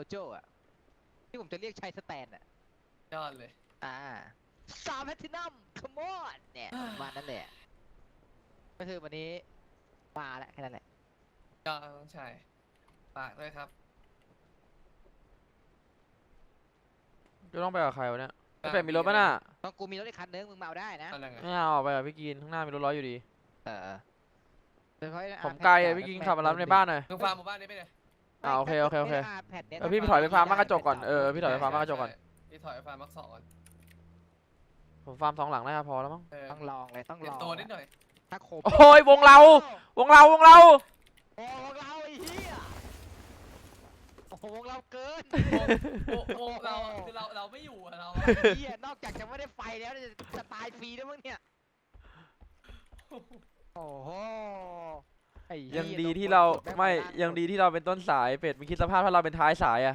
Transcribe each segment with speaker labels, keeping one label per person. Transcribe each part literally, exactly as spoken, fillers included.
Speaker 1: โจ้อะที่ผมจะเรียกชายสแตนอะ
Speaker 2: ยอดเลย
Speaker 1: อ่าสามแพทินัมคอมอนเนี่ยประมาณนั้นแหละก็คือวันนี้มาแล้วแค่นั้นแหละ
Speaker 2: ยอดต้องใช่ฝากด้วยครับ
Speaker 3: จะต้องไปกับใครวะเนี่ยไม่เป็นมีรถป่ะน่ะ
Speaker 1: ตอนกูมีรถอีกคันนึงมึงมาเอาได้นะ
Speaker 2: อะไรไง
Speaker 3: ไม่เอาไปกับพี่กินข้างหน้ามีรถร้อยอยู่ดี
Speaker 1: เออ
Speaker 3: ผมไกลอะพี่กินขับมารับในบ้านหน่อย
Speaker 2: มึงฟาร์มหมู่บ้านนี้ไปเลย
Speaker 3: อ่าโอเคโอเคโอเค
Speaker 1: แพทเนี่ย
Speaker 3: เออพี่ไปถอยไปฟาร์มมากระจกก่อนเออพี่ถอยไปฟาร์มมากระจกก่อน
Speaker 2: พี่ถอยไปฟาร์มมักสองก่อน
Speaker 3: ผมฟาร์มสองหลังได้พอแล้วมั้ง
Speaker 1: ต้องลองเลยต้องลอง
Speaker 2: ตัวนิดหน่อย
Speaker 1: ถ้าโคบ
Speaker 3: โอ้ยวงเราวงเราวงเรา
Speaker 1: โอ้วงเราไอ้เหี้ยโอ้วงเราเกิน
Speaker 2: โอ้โหเราคือเราเราไม่อยู่อะเรา
Speaker 1: เหี้ยนอกจากจะไม่ได้ไฟแล้วจะตายฟรีด้วยมั้งเนี่ยโอ้โห
Speaker 3: ยังดีที่เราไม่ยังดีที่เราเป็นต้นสายเป็ดมึงคิดสภาพถ้าเราเป็นท้ายสายอะ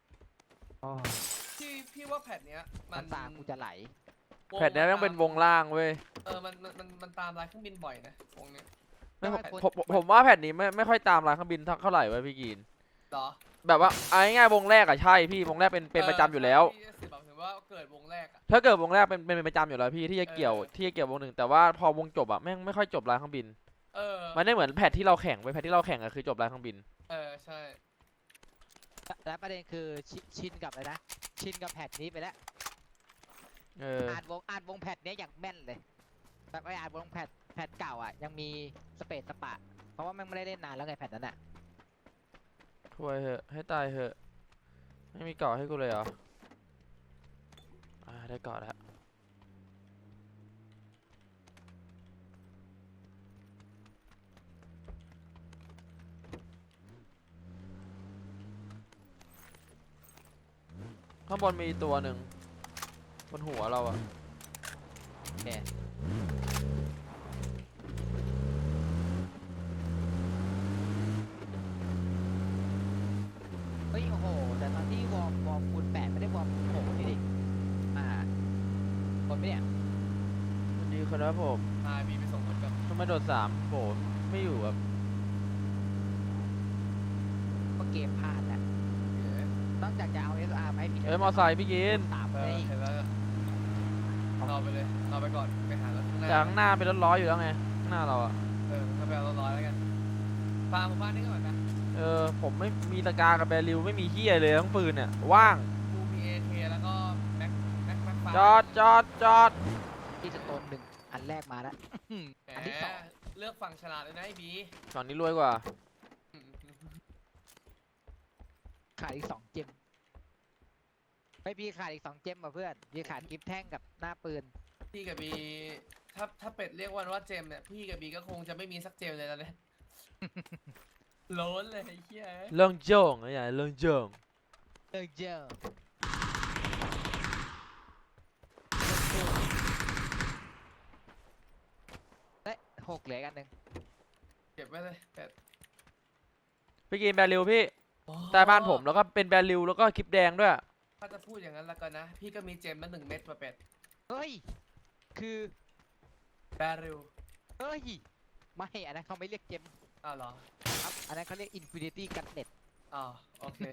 Speaker 2: พี่พี่ว่าแพทเนี้ย
Speaker 1: มันตากูจะไหล
Speaker 3: แพทเนี้ยต้องเป็นวงล่างเว้ย
Speaker 2: เออมันมันมันตามลายเครื่องบินบ่อยนะวงเนี้ย
Speaker 3: ผมผมว่าแพทนี้ไม่ไม่ค่อยตามลายเครื่องบินเท่าไหร่เว้ยพี่กิน
Speaker 2: หรอ
Speaker 3: แบบว่าเอาง่ายๆวงแรกอะใช่พี่วงแรกเป็นเป็นประจำอยู่แล้ว
Speaker 2: ถือว่าเกิดวงแรก
Speaker 3: ถ้าเกิดวงแรกเป็นเป็นประจำอยู่แล้วพี่ที่จะเกี่ยวที่จะเกี่ยววงหนึ่งแต่ว่าพอวงจบอะแม่งไม่ค่อยจบลายเครื่องบิน
Speaker 2: เออ
Speaker 3: มันไม่เหมือนแพทที่เราแข่งไปแพทที่เราแข่งอะคือจบลายเครื่องบิน
Speaker 2: เออใช่
Speaker 1: และประเด็นคือชินกับอะไรนะชินกับแพทนี้ไปแล้ว
Speaker 3: เออ
Speaker 1: อ่านวงอ่านวงแพทเนี้ยอย่างแม่นเลยแต่ไปอ่านวงแพทแพทเก่าอ่ะยังมีสเปซสปะเพราะว่าแม่งไม่ได้เล่นนานแล้วไงแพทนั้นอ่ะ
Speaker 3: ช่วยเหอะให้ตายเหอะไม่มีเกาะให้กูเลยเหรออ่าได้เกาะแล้วข้างบนมีตัวหนึ่งบนหัวเราอะ
Speaker 1: โอเคเฮ้ยโอ้โหแต่ตอนที่วอร์มวอร์มคูณแปดไม่ได้วอร์มคูณหกนี่ดิอ่าคนไม่เนี่ย
Speaker 3: วันนี้ครับผม
Speaker 2: อ่ามีไปส่งคนกับ
Speaker 3: ทำไมโดดสามโผล่ไม่อยู่ครับ
Speaker 1: ก็เกมพลาดแหละนอกจากจะเอา เอส อาร์ มาให้พี่
Speaker 3: เอ้ยมอไซค์พี่กิน
Speaker 1: ตามไป
Speaker 2: เห็นแล้วรอไปเลยรอไปก่อนไปหารถข้างหน้า
Speaker 3: จากข้างหน้าเป็นรถร้อยอยู่แล้วไงข้างหน้าเราอะ
Speaker 2: เออถ้าไปเอารถร้อยแล้วกันฟาร์มหมู่บ้านนี้ก่อนนะ
Speaker 3: เออผมไม่มีตะการกับแบริวไม่มีเฮียเลยทั้งปืนเนี่ยว่าง
Speaker 2: กูมีเอเคแล้วก็แม็กแม็กแม็กฟาร์
Speaker 3: จอดจอดจอด
Speaker 1: ที่จะต้นหนึ่งอันแรกมาแล้วอันที่สอง
Speaker 2: เลือกฝั่งฉลาดเลยนะไอ้บี
Speaker 3: ฝั่งนี้รวยกว่า
Speaker 1: ขาดอีกสองเจมไม่พี่ขาดอีกสองเจมมาเพื่อนพี่ขาดกิฟแท่งกับหน้าปืน
Speaker 2: พี่กับบีถ้าถ้าเป็ดเรียกวันว่าเจมเนี่ยพี่กับบีก็คงจะไม่มีสักเจมเลยตอนนี้ล้นเลยไอ้เหี้ย
Speaker 3: เรื่องโจ่งอะไรอย่างเรื่องโจ่ง
Speaker 1: เรื่องโจ่งเฮ้ยหกเหลือกันหนึ่ง
Speaker 2: เก็บไว้เลยเป็ด
Speaker 3: พี่กินแบริวพี่ใต้บ้านผมแล้วก็เป็นแบริวแล้วก็คลิปแดงด้วย
Speaker 2: ถ้าจะพูดอย่างนั้นแล้วกันนะพี่ก็มีเจมมาหนึ่งเม็ดมาเป็ด
Speaker 1: เฮ้ยคือ
Speaker 2: แบริว
Speaker 1: เฮ้ยไม่อันนั้นเขาไม่เรียกเจม
Speaker 2: อ้าวเหรอ
Speaker 1: ครับอันนั้นเขาเรียก Infinity Gunnet
Speaker 2: อ๋อโอเค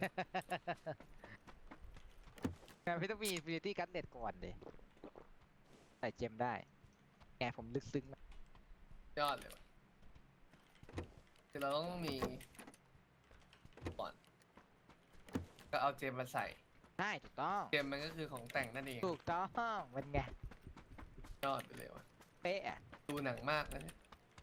Speaker 1: แต่ไม่ต้องมี Infinity Gunnet ก่อนเลยใส่เจมได้แกผมลึกซึ้ง
Speaker 2: ยอดเลยคือเราต้องมีก่อนก็เอาเจมมาใส่
Speaker 1: ใช่ถูกต้อง
Speaker 2: เจมมันก็คือของแต่งนั่นเอง
Speaker 1: ถูกต้องเป็นไง
Speaker 2: ยอดไปเลยวะ
Speaker 1: เป๊ะ
Speaker 2: ดูหนังมากนะเนี่ย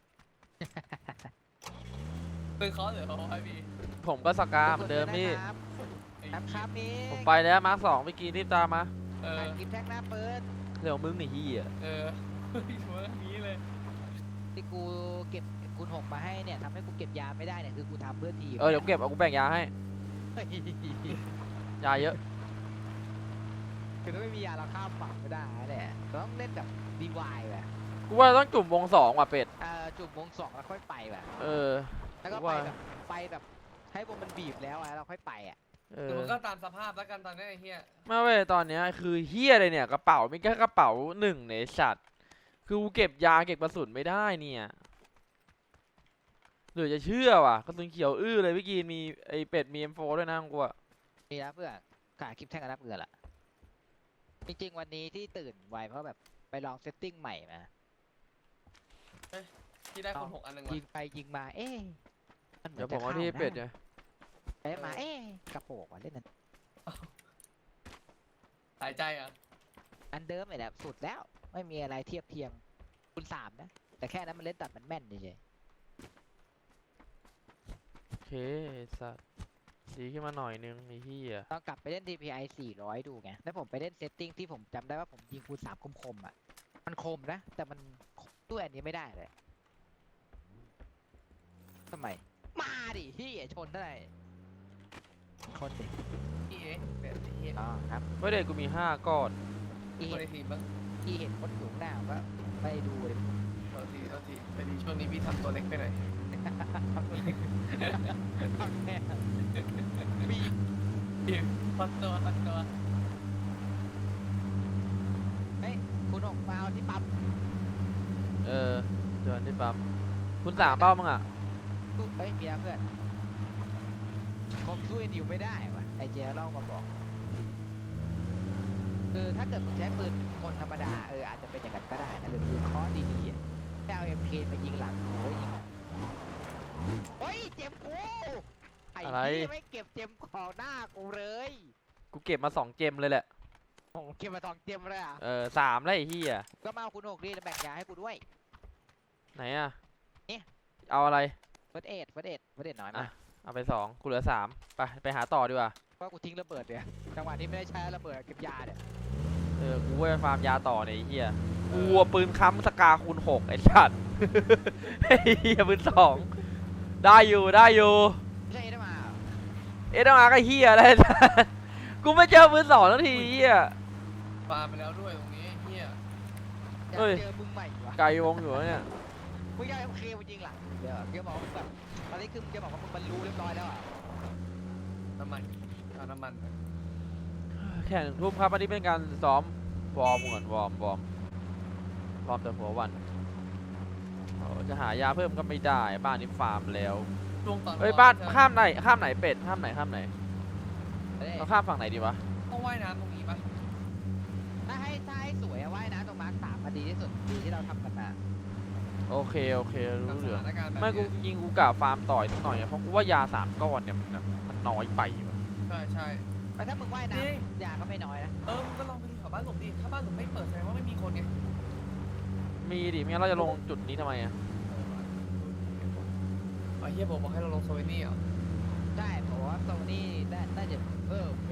Speaker 2: เป็นคอร์สหรือเขาไอพี
Speaker 3: ผมก็สกาเหมือนเดิมพี่
Speaker 1: ครับครับนี่
Speaker 3: ผมไปแล้วมาร์คสองไปกินรีบตามมา
Speaker 1: เออกินแท็กหน้าเปิด
Speaker 3: เดี๋ยวมึงหนีเหี้ย
Speaker 2: เออหัวนี้เลย
Speaker 1: ที่กูเก็บคูณหกมาให้เนี่ยทำให้กูเก็บยาไม่ได้เนี่ยคือกูทำเพื่อทีม
Speaker 3: เออเดี๋ยวเก็บเอากูแบ่งยาให้ยาเยอะ
Speaker 1: คือถ้าไม่มียาเราข้ามฝั่งไม่ได้แหละต้องเล่นแบบดีวายแบบ
Speaker 3: กูว่าต้องจุ่มวงสองว่ะเป็ด
Speaker 1: เออจุ่มวงสองแล้วค่อยไปแบบ
Speaker 3: เออ
Speaker 1: แล้วก็ไปแบบไปแบบให้วงมันบีบแล้วอะเราค่อยไปอ่ะ
Speaker 3: เออ
Speaker 2: มันก็ตามสภาพแล้วกันตอนนี้ไอ้เหี้ย
Speaker 3: ไม่เว้ยตอนนี้คือเหี้ยเลยเนี่ยกระเป๋าไม่แค่กระเป๋าหนึ่งในสัตว์คือกูเก็บยาเก็บกระสุนไม่ได้เนี่ยหรือจะเชื่อว่ะกระสุนเขียวอื้อเลยพี่กีนมีไอเป็ดมี เอ็ม โฟร์ ด้วยนะกูอะ
Speaker 1: มีแล้วเพื่อนขาคลิปแท่งกับนับเงินละจริงๆวันนี้ที่ตื่นไวเพราะแบบไปลองเซตติ้งใหม่มา
Speaker 2: ที่ได้คนหกอันหนึ่ง
Speaker 1: ยิ
Speaker 2: วะ
Speaker 1: งไปยิงมาเอ๊ะมันเหมื
Speaker 3: เดี๋
Speaker 1: อย น
Speaker 3: วผ
Speaker 1: จะ
Speaker 3: มเอา
Speaker 1: เข้า
Speaker 3: ที่เป็ด
Speaker 1: นะ
Speaker 3: เนี่ย
Speaker 1: ไปมาเอ๊ะกระโปงว่ะเล่นนั้น
Speaker 2: หายใจอ่ะ
Speaker 1: อันเดิมเลยแหละสุดแล้วไม่มีอะไรเทียบเทียมคุณสามนะแต่แค่นั้นมันเล่นตัดมันแม่นเฉย
Speaker 3: โอเคสัตว์ดีขึ้นมาหน่อยนึงไอ้เหี้ย
Speaker 1: ๆลองกลับไปเล่น ดี พี ไอ สี่ร้อยดูไงแล้วผมไปเล่นเซตติ้งที่ผมจำได้ว่าผมยิงคูณสามคมๆอ่ะมันคมนะแต่มันด้วยอันนี้ไม่ได้เลยทำไมมาดิพี่ชนเท่าไหร่ชนดิ
Speaker 2: พี่เอ๊ะเป็นไอ้เหี้ย
Speaker 1: อ๋อครับ
Speaker 3: ไม่ได้กูมีห้าก้อน
Speaker 1: ที่
Speaker 2: คน
Speaker 1: เห็
Speaker 2: ใน
Speaker 1: น
Speaker 2: ทีมบ้าง
Speaker 1: ที่เห็นคนอยู่ข้างหน้าผมก็ไม่ดูเลย
Speaker 2: โทษทีโทษทีพอดีช่วงนี้พี่ทำตัวเล็กไปหน่อย
Speaker 1: ทำแค่มี
Speaker 2: พี่พัดตัวพัดตัว
Speaker 1: เฮ้ยคุณออกมาเอาที่ปั๊ม
Speaker 3: เออเดินที่ปั๊มคุณสามเป้ามึงอ่ะ
Speaker 1: ตู้เฮ้ยเมียเพื่อนคงช่วยนิวไม่ได้วะไอเจเล่ามาบอกคือถ้าเกิดมึงใช้ปืนคนธรรมดาเอออาจจะเป็นอย่างนั้นก็ได้นะหรือปืนเคอดีๆอะแค่เอาเอ็มเคมายิงหลังโอ้ยยิงโอ้ยเจ็บกูไอ้ที่ไม่เก็บเจ็มของหน้ากูเลย
Speaker 3: กูเก็บมาสองเจมเลยแหละ
Speaker 1: โอ้เก็บมาสองเจ็มเลยอ่ะ
Speaker 3: เออสามแล้วไอ้เหี้ย
Speaker 1: ก็มาเอาคุณหกดีแล้วแบ่งยาให้กูด้วย
Speaker 3: ไหนอ่ะ
Speaker 1: นี่
Speaker 3: เอาอะไร
Speaker 1: เฟิร์สเอ็ดเฟิร์สเอ็ดเฟิร์สเอ็ดน้อย
Speaker 3: อ่ะ
Speaker 1: มาก
Speaker 3: เอาไปสองกูเหลือสามไปไปหาต่อดีกว่า
Speaker 1: เพราะกูทิ้งระเบิดเนี่ยจังหวะนี้ไม่ได้ใช้ระเบิดเก็บยาเนี่ย
Speaker 3: เออกูว่าไปฟาร์มยาต่อเนี่ยไอ้เหี้ยกูเอาปืนค้ำสกาคูณหกไอ้สัตว์ ไอ้เหี้ยปืนสองได้อยู่ได้อยู่
Speaker 1: ไม่ใช่ได้มา
Speaker 3: เอ็ดมาก็เหี้ยอะไร สัตว์กูไม่เจอปืนสองนาทีเหี้ย
Speaker 2: ปาไปแล้วด้วยตรงนี้ไอ้เหี้ย
Speaker 1: อยาก
Speaker 3: เอ้ย
Speaker 1: เจอมึงใหม่วะ
Speaker 3: ไกลวงอยู่วะเนี่ย
Speaker 1: มึงอยากเอ็มเคมึงจริงหลังเดี๋ยวเดี๋ยวบอกว่ามึงแบบตอนนี้คือมึงจะบอกว่ามึงบรรลุเรียบร้อยแล้วอ่ะ
Speaker 2: น้ำมันเอาน้ำมัน
Speaker 3: แข่งหนึ่งทุ่มครับอันนี้เป็นการซ้อมวอร์มก่อนวอร์มวอร์มวอร์มแต่หัววันโอ้จะหายาเพิ่มก็ไม่ได้บ้านนี้ฟาร์มแล้ว
Speaker 2: ช่วงตอน
Speaker 3: เฮ้ยบ้าน
Speaker 2: จะ
Speaker 3: ข้ามไหนข้ามไหนเป็ดข้ามไหนข้ามไหน
Speaker 1: เอ้ย
Speaker 3: เราข้ามฝั่งไหนดีวะ
Speaker 2: ต้องว่ายน้ำตรงนี้ปะ
Speaker 1: ถ้าให้ถ้าให้สวยอะว่ายน้ำตรงมาร์คสามมาดีที่สุดดีที่เราทำกันมา
Speaker 3: โอเคโอเค
Speaker 2: กับ
Speaker 3: รู้
Speaker 2: ส
Speaker 3: เรื่อง
Speaker 2: ถานการณ์แบบ
Speaker 3: ไม่กู
Speaker 2: เนี้ย
Speaker 3: ยิงกูกะฟาร์มต่อยสักหน่อยอะเพราะกูว่ายาสามก้อนเนี่ยมันมันน้อยไปว่ะ
Speaker 2: ใช่ใช่
Speaker 1: แต่ถ้ามึงว่ายน้
Speaker 2: จริง
Speaker 1: ำยาก็ไม่น้อยนะ
Speaker 2: เออมึงก็ลองไปดูแถวบ้านหลุมดิถ้าบ้านหลุมไม่เปิดแสดงว่าไม่มีคนไง
Speaker 3: มีดิไม่งั้นเราจะลงจุดนี้ทำไมอะ
Speaker 2: ไอ้เฮียบอกบอกให้เราลงโซเวนี่เหรอ
Speaker 1: ได้เพราะว่าโซนี่ได้น่าจะเพิ่มไป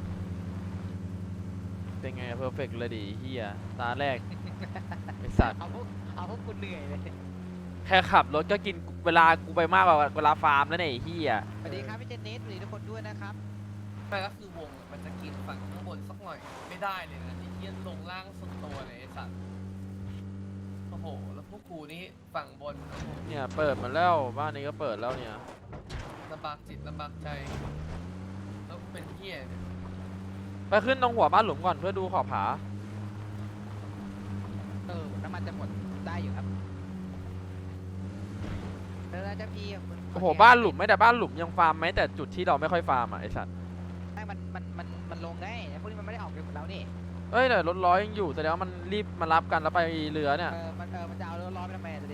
Speaker 3: เป็นไงเพอร์เฟกเลยดิเฮียตาแรกไอสัตว์
Speaker 1: เอาพวกเอาพวกกูเหนื่อยเลย
Speaker 3: แค่ขับรถก็กินเวลากูไปมากกว่าเวลาฟาร์มแล้วเนี่ยไอ้เฮีย
Speaker 1: สวัสดีครับพี่เจนนิสสวัสดีทุกคนด้วยนะครับ
Speaker 2: ไม่ก็คือวงมันจะกินฝั่งข้างบนสักหน่อยไม่ได้เลยนะไอ้เฮียลงล่างสุดตัวเลยไอ้สัตว์โอ้โหแล้วพวกกูนี่ฝั่งบนโอ้โห
Speaker 3: เนี่ยเปิดมาแล้วบ้านนี้ก็เปิดแล้วเนี่ย
Speaker 2: ลำบากจิตลำบากใจแล้วกูเป็นเฮียเนี่ย
Speaker 3: ไปขึ้นตรงหัวบ้านหลุมก่อนเพื่อดูขอบผา
Speaker 1: เออน้ำมันจะหมดได้อยู่ครับแล้วเราจะพี่คุณ
Speaker 3: โอ้โหบ้านหลุมไม่แต่บ้านหลุมยังฟาร์มไหมแต่จุดที่เราไม่ค่อยฟาร์มอ่ะไอสัตว์
Speaker 1: ให้มันมันมันมันลงได้พวกนี้มันไม่ได้ออกเร็วเหมือนเรานี่
Speaker 3: เอ้ยแต่รถร้อยยังอยู่แสดงว่ามันรีบมารับกันแล้วไปเรือเนี่ย
Speaker 1: เออมันเออมันจะเอาเรือร้อนไปทำไมจะดิ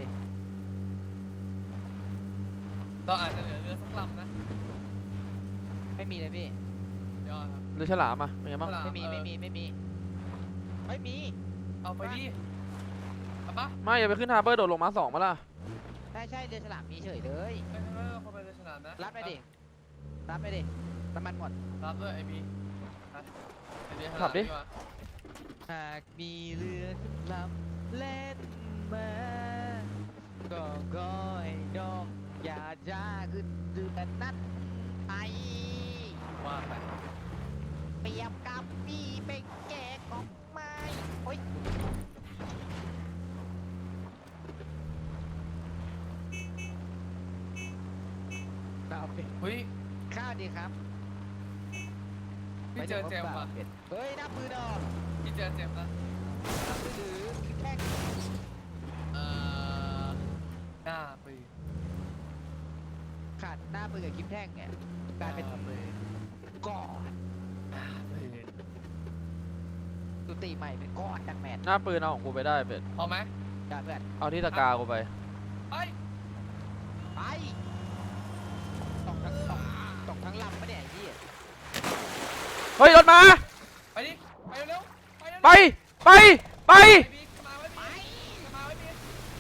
Speaker 2: เราอาจจะเหลือเรือสักลำนะ
Speaker 1: ไม่มีเลยพี่
Speaker 2: ยอดครับ
Speaker 3: เรือฉลามอ่ะเป็นไงบ้าง
Speaker 2: ฉลา
Speaker 1: ไม่มี
Speaker 2: เออ
Speaker 1: ไม่มีไม่มีไม่มี
Speaker 2: เอาไปดิเอาปะ
Speaker 3: ไม่อย่าไปขึ้นฮาร์เบอร์โดดลงมาสองมาล่ะ
Speaker 1: ใช่ใช่เรือฉลามมีเฉยเลย
Speaker 2: ไม่ไม่ไม่คนไปเรือฉลามนะ
Speaker 1: รับไปดิรับไปดิน้ำมันหมด
Speaker 2: รับด้วยไอบีไปไปเรือฉลาม
Speaker 3: ขับดิ
Speaker 2: ว่า
Speaker 1: หากมีเรือขึ้นลำเล่นมาก็ก้อยดอกอย่าจ้าขึ้นเรือนั้นไป
Speaker 2: ว่าไป
Speaker 1: เปรียบกับพี่เป็นแก่ของไม้โอ๊ยเอาไป
Speaker 2: เฮ้ย
Speaker 1: ข้าวดีครับ
Speaker 2: พี่เจอเจมส์ว่ะ
Speaker 1: เฮ้ยนับมือดอก
Speaker 2: พี่เจอเจมส์นะ
Speaker 1: นับมือถือแค่
Speaker 2: เอ่อหน้าปืน
Speaker 1: ขาดหน้าปืนกับคลิปแท่งเนี่ยกลายเป็น
Speaker 2: หปืน
Speaker 1: ก้อนตุติใหม่เป็นก้อนดังแมน
Speaker 3: หน้าปืนเอาของกูไปได้เป็ด
Speaker 2: พอไหม
Speaker 1: ได้เพื่อน
Speaker 3: เอาที่ตะกากูไป
Speaker 2: ไป
Speaker 1: ไปตกทั้งตกตกทั้งลำปะเนี่ยไอ้ที่
Speaker 3: เฮ้ยรถมา
Speaker 2: ไปดิไปเร็วๆไปเร็วๆ
Speaker 3: ไปไปไป
Speaker 2: ไปบีมาไว้บีมาไว้บี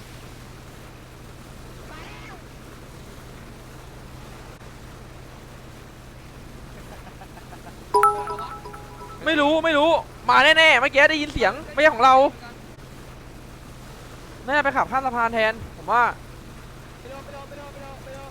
Speaker 3: ไม่รู้ไม่รู้มาแน่ๆเมื่อกี้ได้ยินเสียงไม่ใช่ของเราแน่าไปขับข้ามสะพานแทนผมว่า
Speaker 1: ไปโดนไปโดนไปโดนไปโดนไปโดน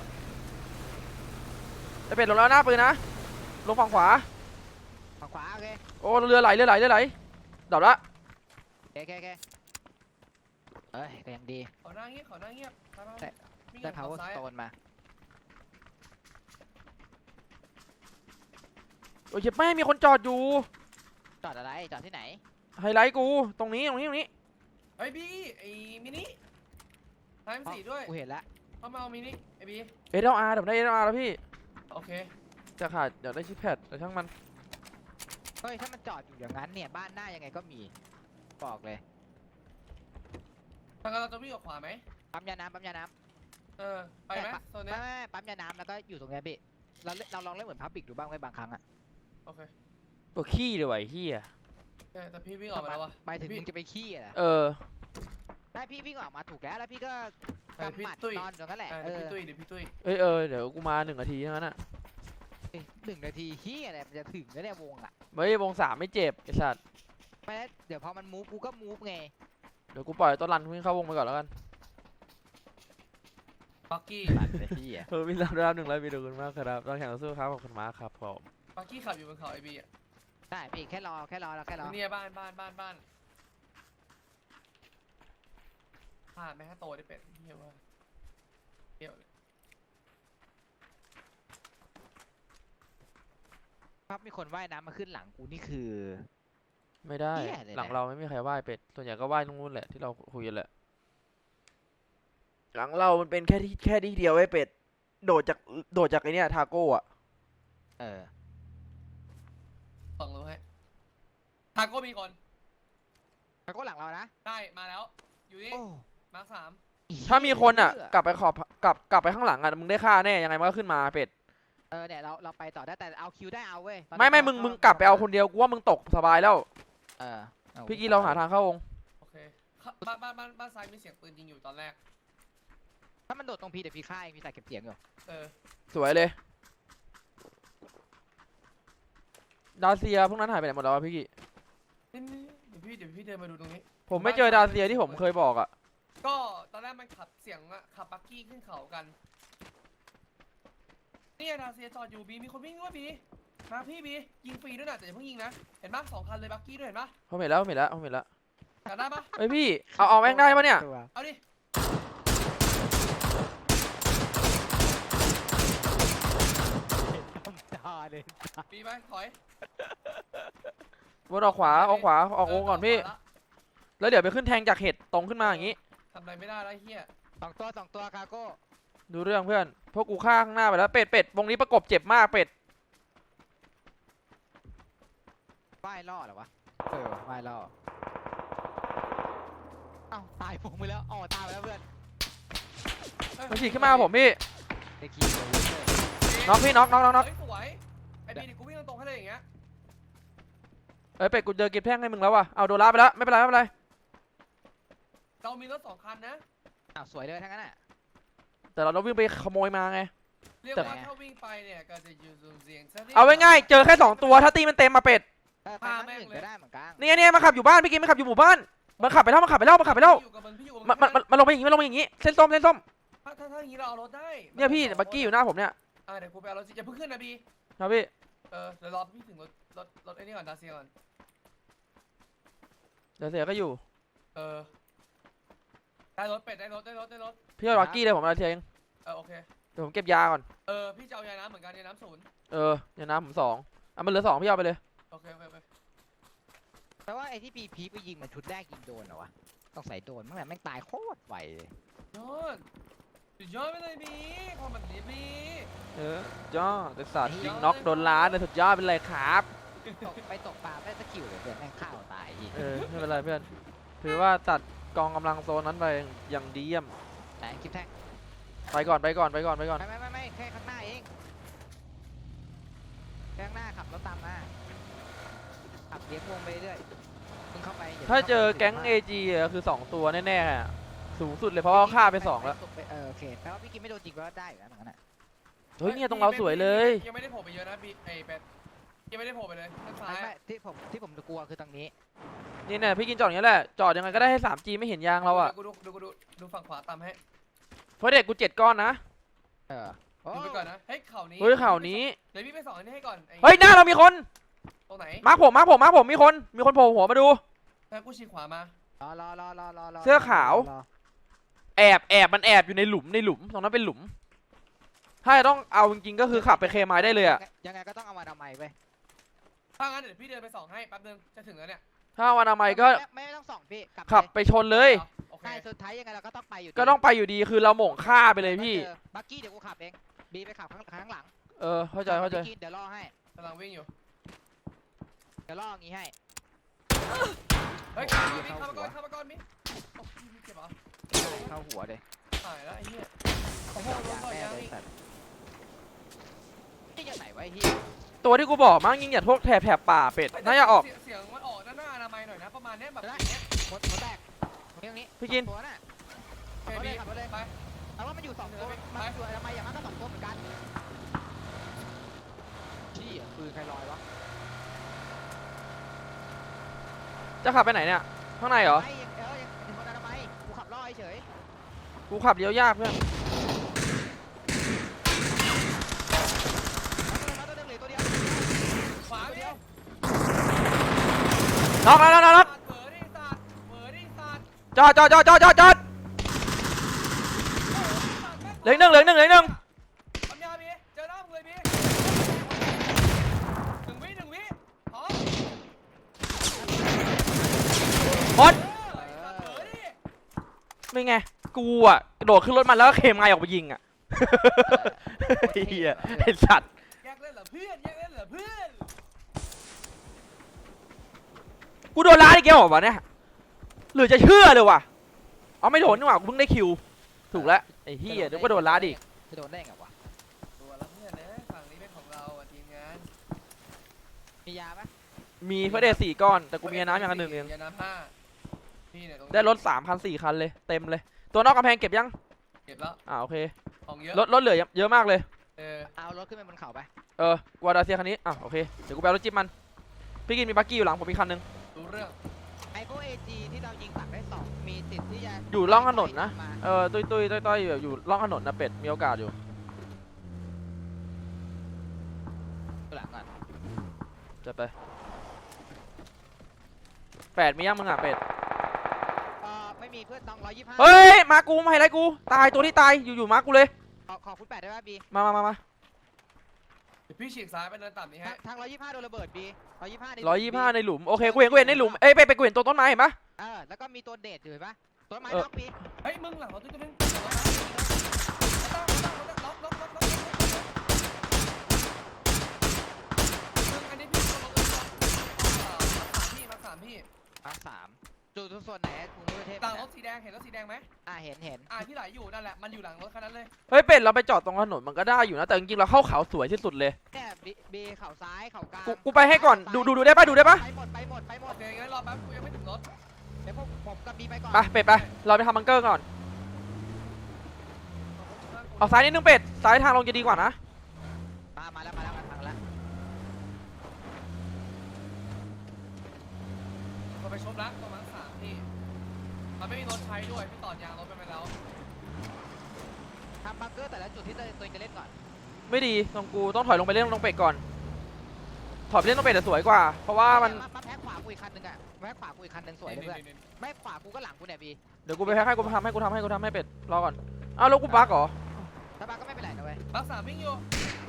Speaker 3: จะเป็นลงแล้วหน้าปืนนะลงฝั่งขวา
Speaker 1: ฝั่งขวาโอเค
Speaker 3: โอ้เรือไหลเรือไหลเรือไหลดับละ
Speaker 1: โอเคโอเคเอ้ยก็ยังดี
Speaker 2: ขอหน้าเงียบขอหน้าเงียบไปๆ
Speaker 1: ได้
Speaker 2: วิ่ง
Speaker 1: ได้
Speaker 2: ขวา
Speaker 1: power
Speaker 2: ซ้าย
Speaker 1: stone มา
Speaker 3: โอ้ยเจ็บแม่มีคนจอดอยู่
Speaker 1: จอดอะไรจอดที่ไหน
Speaker 3: ไฮไลท์กูตรงนี้ตรงนี้ตรงนี้
Speaker 2: ไอ้บีไอ้มินิไทม์สี่ด้วย
Speaker 1: กูเห็นแล้ว
Speaker 2: เข้ามาเอามินิไอ้บี
Speaker 3: เอสเอลอาร์เดี๋ยวได้เอสเอลอาร์แล้วพี่
Speaker 2: โอเค
Speaker 3: จะขาดเดี๋ยวได้ชิปแพดแต่ช่างมัน
Speaker 1: เฮ้ยถ้ามันจอดอยู่อย่างนั้นเนี่ยบ้านหน้ายังไงก็มีบอกเลย
Speaker 2: ทางเราจะวิ่งออกขวาไหม
Speaker 1: ปั๊มยาน้ำปั๊มยาน้
Speaker 2: เออไปไหมโซน
Speaker 1: ำ
Speaker 2: เนี้
Speaker 1: ไม่
Speaker 2: ย
Speaker 1: ไม่ไม่ปั๊มยาน้ำแล้วก็อยู่ตรงเนี้ยพี่เราเล่นเราลองเล่นเหมือนพับบิกดูบ้างไหมบางครั้งอะ
Speaker 2: โอเค
Speaker 3: ตัวขี้เลยว่ะไอ้เฮีย
Speaker 2: แต่แต่พี่วิ่งออกมาแล้ววะ
Speaker 1: ไปถึง
Speaker 2: พี่
Speaker 1: มึงจะไปขี้อะนะ
Speaker 3: เออ
Speaker 1: ได้พี่วิ่งออกมาถูกแล้วแล้วพี่ก็
Speaker 2: เออก
Speaker 1: ำ
Speaker 2: พี่
Speaker 1: หมัด
Speaker 2: ตุ้ย
Speaker 1: นอนตรงนั้นแหละ
Speaker 2: เออ
Speaker 1: เอ
Speaker 2: เดี๋ยว
Speaker 1: อ
Speaker 2: พี่ตุ้ยเดี๋ยวพี่ตุ้ย
Speaker 3: เอ้ยเออเดี๋ยวกูมาหนึ่งนาทีเท่านั้นอ่ะ
Speaker 1: หนึ่งนาทีขี้อะไรมันจะถึงแล้วเนี่ยวงอะ
Speaker 3: เฮ้ยวงสามไม่เจ็บไอ้สัตว์
Speaker 1: ไปแล้วเดี๋ยวพอมันมูฟกูก็มูฟไง
Speaker 3: เดี๋ยวกูปล่อยต้นรันวิ่งเข้าวงไปก่อนแล้วกัน
Speaker 2: ปักกี้
Speaker 1: ตัดเลยพี่อะ
Speaker 3: เออมีรับรับหนึ่งร้อยวิดีโอคุณมากครับต้องแข่งสู้ครับขอบคุณมากครับผม
Speaker 2: ปักกี้ขับอยู่บนเขาไอ้บีอ่ะ
Speaker 1: ได้พี่แค่รอแค่รอแล้วแค่รอ
Speaker 2: เนี่ยบ้านบ้านบ้านบ้านพลาดไหมถ้าโตได้เป็ดเฮียว่าเที่ยวเลย
Speaker 1: ปั๊บมีคนว่ายน้ำมาขึ้นหลังกูนี่คือ
Speaker 3: ไม่ได้
Speaker 1: เหี้ยเลยนะ
Speaker 3: หลังเราไม่มีใครไหว้เป็ดส่วนใหญ่ก็ไหว้ตรงนู้นแหละที่เราคุยกันแหละหลังเรามันเป็นแค่ที่แค่ที่เดียวไอ้เป็ดโดดจากโดดจากไอ้เนี่ยทาโก้อะ
Speaker 1: เออ
Speaker 2: ส่องรู้ให้ทาโก้มีคน
Speaker 1: แล้วก็หลังเรานะ
Speaker 2: ได้มาแล้ว อยู่นี่
Speaker 1: โอ้
Speaker 2: มาร์คสาม
Speaker 3: ถ้ามีคนอะกลับไปขอบกลับกลับไปข้างหลังอะมึงได้ค่าแน่ยังไงมันก็ขึ้นมาเป็ด
Speaker 1: เออเนี่ยเราเราไปต่อได้แต่เอาคิวได้เอาเว้ยตอนนี้
Speaker 3: ไม่ไม่
Speaker 1: เรา
Speaker 3: มึง
Speaker 1: ก็
Speaker 3: มึงกลับไปเอาคนเดียวกูว่ามึงตกสบายแล้ว
Speaker 1: เอออ
Speaker 3: พี่กี้เราหาทางเข้าวง
Speaker 2: โอเคเข้าบ้านบ้านบ้านบ้านซ้ายมีเสียงปืนยิงอยู่ตอนแรก
Speaker 1: ถ้ามันโดดตรงพีเดี๋ยวพี่ฆ่าเองพี่ใส่เก็บเสียงอยู่
Speaker 2: เออ
Speaker 3: สวยเลยดาเซียพวกนั้นหายไปไหนหมดแล้ววะพี่กี้
Speaker 2: นี่นี่เดี๋ยวพี่เดี๋ยวพี่เดินมาดูตรงนี้
Speaker 3: ผมไม่เจอดาเซียที่ผมเคยบอกอะ
Speaker 2: ก็ตอนแรกมันขับเสียงอะขับปักกี้ขึ้นเขากันนี่ดาเซียจอดอยู่บีมีคนวิ่งด้วยบีมาพี่บียิงฟรีด้วยนะแต่อย่าเพิ่งยิงนะเห็นปะสองคันเลยปักกี้ด้วยเห็นปะ
Speaker 3: ผมเห็นแล้วผมเห็นแล้วผมเห็นแล้ว
Speaker 2: จับได้ปะ
Speaker 3: เฮ้ยพี่เอาเอาแม่งได้ปะเนี่ย
Speaker 1: ตัว
Speaker 2: เอาดิ
Speaker 1: ตาเลย
Speaker 2: บีไปถอย
Speaker 3: วนออกขวาออกขวาออกวงก่อนพี่
Speaker 2: เ
Speaker 3: แล้วเดี๋ยวไปขึ้นแทงจากเห็ดตรงขึ้นมาอย่างงี้
Speaker 2: ทำอะไรไม่ได้แล้วไอ้เฮีย
Speaker 1: สองตัวสองตัวคาโก้
Speaker 3: ดูเรื่องเพื่อนพวกกูฆ่าข้างหน้าไปแล้วเป็ดเป็ดวงนี้ประกบเจ็บมากเป็ด
Speaker 1: ว่ายล่อเหรอวะเออว่ายล่อเอ้าตายผมไปแล้วอ๋อตายไปแล้วเพื่อน
Speaker 3: มันฉีกขึ้นมาผมพี่
Speaker 1: ไอ้คีย์เลย
Speaker 3: น็อกพี่น็อกน็อกน็อกน็อก
Speaker 2: เฮ้ยสวยไอ้บีเดี๋ยวกูวิ่งตรงๆให้เลยอย่างเงี้ย
Speaker 3: เอ้ยเป็ดกูเจอเก็บแท่งให้มึงแล้วว่ะเอาโดนลาไปแล้วไม่เป็นไรไม่เป็นไร
Speaker 2: เรามีรถสองคันนะ
Speaker 1: อ้าวสวยเลยทั้งนั้นอ่ะ
Speaker 3: แต่เราต้องวิ่งไปขโมยมาไง
Speaker 2: เรียก
Speaker 3: แต่
Speaker 2: ว่าถ้าวิ่งไปเนี่ยก็จะอยู่สูงเสียงซะนิด
Speaker 3: เอาไว้ง่ายเจอแค่สองตัวถ้าตีมันเต็มมาเป็ด
Speaker 1: เออไป
Speaker 2: พา
Speaker 1: ข้าง
Speaker 2: แม่ง
Speaker 1: อื่น
Speaker 2: เลย
Speaker 1: ก็ได้เหมือนกัน
Speaker 3: เนี่ยเนี่ยมาขับอยู่บ้านพี่กินมาขับอยู่หมู่บ้านมันขับไปแล้วมันขับไปแล้วมันขับไปแล้ว
Speaker 2: พี่อยู่กับมันพี่อยู่กับ
Speaker 3: มันมันมันมันลงไปอย่างงี้มันลงไปอย่างงี้เส้นส้มเส้นส้ม
Speaker 2: ถ้าถ้าถ้าอย่างงี้เราเอารถได้
Speaker 3: เนี่ยพี่บักกี้อยู่หน้าผมเนี่ย
Speaker 2: อ่าเดี๋ยวกูไปเอารถอย่าเพิ่งขึ้นนะบี
Speaker 3: ครับพี่
Speaker 2: เออเดี๋ยวรอพี่ถึงรถรถรถไอ้นี่ก่อนดาเซียก่อน
Speaker 3: เดี๋ยวเสียก็อยู่
Speaker 2: เออได้รถเป็ดได้รถได้รถได้รถ
Speaker 3: พี่เอาบักกี้เลยผมเอาเทียเอง
Speaker 2: เออโอเค
Speaker 3: เดี๋ยวผมเก็บยาก่อน
Speaker 2: เออพี่จะเอายาน้ำเหมือนกันยาน้ำศูนย์
Speaker 3: เออเดี๋ยวน้ำผมสองอ่ะมันเหลือสองพี่เอาไปเลย
Speaker 2: โอเคโอเคโอเค
Speaker 1: แต่ว่าไอ้ที่ปีพีไปยิงมันชุดแรกยิงโดนเหรอวะต้องใส่โดนมั้งแหละแม่งตายโคตรไวเลย
Speaker 2: โดนสุดยอดไปเลยบีความแบบนี้บี
Speaker 3: เออยอดแต่สัตว์ยิงน็อกโดนล้านเลยสุดยอดเป็นไรครับ
Speaker 1: ตกไปตกปลาไม่ได้สกิลเลยเพื่อนแม่งข้าวตายอีก
Speaker 3: เออไม่เป็นไรเพื่อนถือว่าตัดกองกำลังโซนนั้นไปอย่างดีเยี่ยม
Speaker 1: ไหนคลิปแท็ก
Speaker 3: ไปก่อนไปก่อนไปก่อนไปก่อน
Speaker 1: ไม่ไม่ไม่ไม่แค่ข้างหน้าเองแค่ข้างหน้าขับรถตามมาขับเลี้ยงวงไปเรื่อยมึงเข้าไปย่
Speaker 3: ถ้าเจอ
Speaker 1: ข้ไป
Speaker 3: แก๊ง
Speaker 1: มาก
Speaker 3: เอ จี อะคือสองตัวแน่ๆอะสูงสุดเลยเพราะว่าฆ่าไปสองแล้ว
Speaker 1: เออโอเคแปลว่าพี่กินไม่โดนจริงแปลว่าได้อยู่นะเหมือนกันอ่ะ
Speaker 3: เฮ้ยเนี่ยตรงเราสวยเลย
Speaker 2: ยังไม่ได้โผล่ไปเยอะนะบีไอเป็ดยังไม่ได้โผล่ไปเลยด้านซ้า
Speaker 1: ไม่
Speaker 2: ย
Speaker 1: ไม่ที่ผมที่ผมกลัวคือตรงนี้
Speaker 3: นี่เนี่ยพี่กินจอดอย่างนี้ยแหละจอดยังไงก็ได้ให้ สามจี ไม่เห็นยางเราอะ
Speaker 2: ดูดูดูดูดูฝั่งขวาตามให้
Speaker 3: เพราะเด็กกูเจ็ดก้อนนะ
Speaker 1: เออโอ้
Speaker 2: ดูไปก่อนนะเฮ้ยเข่านี้
Speaker 3: เฮ้ยข่าวนี้
Speaker 2: เดี๋ยวพี่ไปสอนอันนี้ให้ก่อนไอ้
Speaker 3: เฮ้ยหน้าเรามีคน
Speaker 2: ตรงไหน
Speaker 3: มาร์คผมมาร์คผมมาร์คผมมีคนมีคนโผล่หัวมาดู
Speaker 2: แล้วกูชี้ขวามาร
Speaker 1: อรอรอรอรอรอ
Speaker 3: เสื้อขาว
Speaker 1: รอ
Speaker 3: แอบแอบมันแอบอยู่ในหลุมในหลุมตรงนั้นเป็นหลุม ถ้าจะต้องเอาจริงๆก็คือขับไปเคมายได้เลยอะ
Speaker 1: ยังไงก็ต้องเอามาทำไมไป
Speaker 2: ถ้างั้นเดี๋ยวพี่เดินไปสองให้แป๊บนึงจะถึงแล้วเนี่ย
Speaker 3: ถ้าวันอนามัยก็
Speaker 1: ไม่ไม่ต้องส่องพี่กลับ
Speaker 3: ขับ
Speaker 1: เลย
Speaker 3: ไปชนเลย
Speaker 2: โอเค
Speaker 1: ใช่สุดท้ายยังไงเราก็ต้องไปอยู่ดี
Speaker 3: ก็ต้องไปอยู่ดีคือเราหม่งฆ่าไปเลยพี่
Speaker 1: เจอบักกี้เดี๋ยวกูขับเองบีไปขับข้างข้างหลัง
Speaker 3: เออเข้าใจเข้าใจ
Speaker 1: พี่กินเดี๋ยวล่อให้
Speaker 2: กำลังวิ่งอยู่
Speaker 1: เดี๋ยวล่ออย่างงี้ให้
Speaker 2: เฮ้ยเข้ามาก่อนเข้ามาก่อนเข้ามาก่อนมิโอ้ยเจ็บเหรอ
Speaker 1: เข้าหัวเลย
Speaker 2: หายแล้วไอ้เหี้ยโอ้โหโดน
Speaker 1: ยาง
Speaker 2: ต่อย
Speaker 1: แม่
Speaker 2: ยาง
Speaker 1: เลย
Speaker 2: อีก
Speaker 1: สัตว์นี่ยังไหนไวะไอ้เฮีย
Speaker 3: ตัวที่กูบอกมั้งยิงอย่าพวกแถบแถบป่าเป็ดน่าจะออก
Speaker 2: เสียงเสียงมันออกด้านหน้าอนามัยหน่อยนะประมาณเนี้ยแบบ
Speaker 1: เดี๋ยวนะ
Speaker 2: เนี้ย
Speaker 1: หมดหมดแตกตรงนี้ตรงนี้
Speaker 3: พี่กิน
Speaker 1: ตัวน่ะ
Speaker 2: โอเคบี
Speaker 1: ขับรถเลย
Speaker 2: ไป
Speaker 1: แต่ว่ามันอยู่สองตัว
Speaker 2: ไป
Speaker 1: มันอยู่ทำไมอย่างนั้นก็สองตัวเหมือนกันชี้อ่ะปืนใครลอยวะ
Speaker 3: จะขับไปไหนเนี่ยข้างในเหรอ
Speaker 1: ไม่ยังเออยังถึงคนนั้นทำไมกูขับล่อเฉย
Speaker 3: กูขับเลี้ยวยากเพื่อน
Speaker 1: มาตัวหนึงเหลือตัวเดียว
Speaker 2: ขวาเดียว
Speaker 3: น็อกแล้วน็อกแล้วน็อก
Speaker 2: เบอร์ดิสัตว์เบอร์ดิสัตว์
Speaker 3: จอดจอดจอดจอดจอดจอดเหลืออกหนึ่งเหลืออกหนึ่งเหลืออกหนึ่ง
Speaker 2: ปัญญาบีเจอหน้ามึงเลยบีหนึ่งวิหนึ่งวิพร้อม
Speaker 3: หมด
Speaker 2: เออสัตว์เบอร์ดิ
Speaker 3: เป็นไงกูอ่ะกระโดดขึ้นรถมันแล้วก็เคมไงออกไปยิงอ่ะ เฮียไอสัตว์
Speaker 2: แยกเล่นเหรอเพื่อนแยกเล่นเหรอเพื่อน
Speaker 3: กูโดนล้าอีกแล้วเหรอวะเนี่ยหรือจะเชื่อเลยวะเอาไม่โดนนี่หว่ากูเพิ่งได้คิวถูกแล้วไอ้เฮียนึกว่าโดนล้าดิ
Speaker 1: จะโดนได้ไงวะ
Speaker 2: ตัวละเพื่อนนะฝั่งนี้เป็นของเราอ่ะทีมงาน
Speaker 1: มียาปะ
Speaker 3: มีเพื่อเดทสี่ก้อนแต่กูมีน้ำอย่างละหนึ่งเอง
Speaker 2: ยาน้ำห้าพี่เนี่ยตรงนี้
Speaker 3: ได้รถสามคันสี่คันเลยเต็มเลย ตัวนอกกำแพงเก็บยัง
Speaker 2: เก็บแล้ว
Speaker 3: อ่าโอเค
Speaker 2: ของเยอะ
Speaker 3: รถรถเหลือเยอะมากเลย
Speaker 2: เออ
Speaker 1: เอารถขึ้นไปบนเขาไป
Speaker 3: เออกัวดาเซียคันนี้อ่ะโอเคเดี๋ยวกูไปเอารถจิ๊บมันพี่กินมีบักกี้อยู่หลังผมมีคันหนึง
Speaker 2: รู้เรื่อง
Speaker 1: ไอโฟเอจีที่เรายิงตักได้สองมีสิทธิ์ที่จะ
Speaker 3: อยู่ร่องถนนนะ
Speaker 1: มา
Speaker 3: เออตุยตุยต้อยต้อยแบบอยู่ร่องถนนนะเป็ดมีโอกาสอยู่
Speaker 1: หลังก่อน
Speaker 3: จะไปแปดมียังมึงอ่ะเป็ด
Speaker 1: เออไม่มีเพื่อนต้องร้อยยี่สิบห้า
Speaker 3: เฮ้ยมากูมาให้ไรกูตายตัวที่ตายอยู่อยู่มากูเลย
Speaker 1: ขอขอคุณแปดได้ป่ะบี
Speaker 3: มามามามา
Speaker 2: เดี๋ยวพี่ฉีกซ้ายไปเดินต่ำนี้
Speaker 1: ทา
Speaker 2: ให้
Speaker 1: งทางร้อยยี่สิบห้าโดนระเบิดบีร้อยยี่สิบห้า
Speaker 3: ร้อยยี่ห้าในหลุมโอเคกูเห็นกูเห็นในหลุมเอ้ยไปไปกูเห็นตัวต้นไม้เห็นปะ
Speaker 1: เออแล้วก็มีตัวเดทอยู่เห็นปะต้นไม้
Speaker 3: เออ
Speaker 1: ล็อกบี
Speaker 2: เฮ้ยมึงหลังรถตัวนึงล็อกล็อกล็อกล็อกมึงอันนี้พี่ตัวรถตัวพี่มาสามพี่
Speaker 1: อ่ะสามจุดส่วนไหนกรุงเทพเทพ
Speaker 2: หลังรถสีแดงเห็นรถสีแดงไหม
Speaker 1: อ่ะเห็นเห็น
Speaker 2: อ่าที่ไหลอยู่นั่นแหละมันอยู่หลังรถคันนั้นเลย
Speaker 3: เฮ้ยเป็ดเราไปจอดตรงถนนมันก็ได้อยู่นะแต่จริงๆเราเข้าเขาสวยที่สุดเลย
Speaker 1: เนี่ยบีบีเข่าซ้ายเข่ากลาง
Speaker 3: กูกูไปให้ก่อนดูดูดูได้ปะดูได้ปะ
Speaker 1: ไปหมดไปหมดไปหม
Speaker 2: โอ
Speaker 1: ด
Speaker 2: เคงั้นรอแป๊บกูยังไม่ถึงรถ
Speaker 1: เดี๋ยวพวกผมกับบีไปก่อน
Speaker 3: ไปเป็ดไปเราไปทำบังเกอร์ก่อนเอาซ้ายนิดนึงเป็ดซ้ายทางลงจะดีกว่านะ
Speaker 1: มามาแล้วมาแล้วมาทางแล้ว
Speaker 2: เราไปชมรักประมาณสามที่มันไม่มีรถใช้ด้วยพี่ต่อยางรถไปแล้ว
Speaker 1: ทำบังเกอร์แต่ละจุดที่ตัวเองจะเล่นก่อน
Speaker 3: ไม่ดีตรงกูต้องถอยลงไปเล่นตรงเป็ดก่อนถอยไปเล่นตรงเป็ดจะสวยกว่า เพราะว่ามัน
Speaker 1: มาแพ็คขวากูอีกคันหนึงอ่ะแพ็คขวากูอีกคันหนึงสวยเลยเพื่อนไม่ขวากูก็หลังกูเนี่ยบี
Speaker 3: เดี๋ยวกูไปแพ็คให้กูทำให้กูทำให้กูทำให้เป็ดรอก่อนอ้าวแล้วกูบักเหรอ
Speaker 1: ถ้าบักก็ไม่เป็นไรนะเว้ย
Speaker 2: รักษาวิ่งอยู่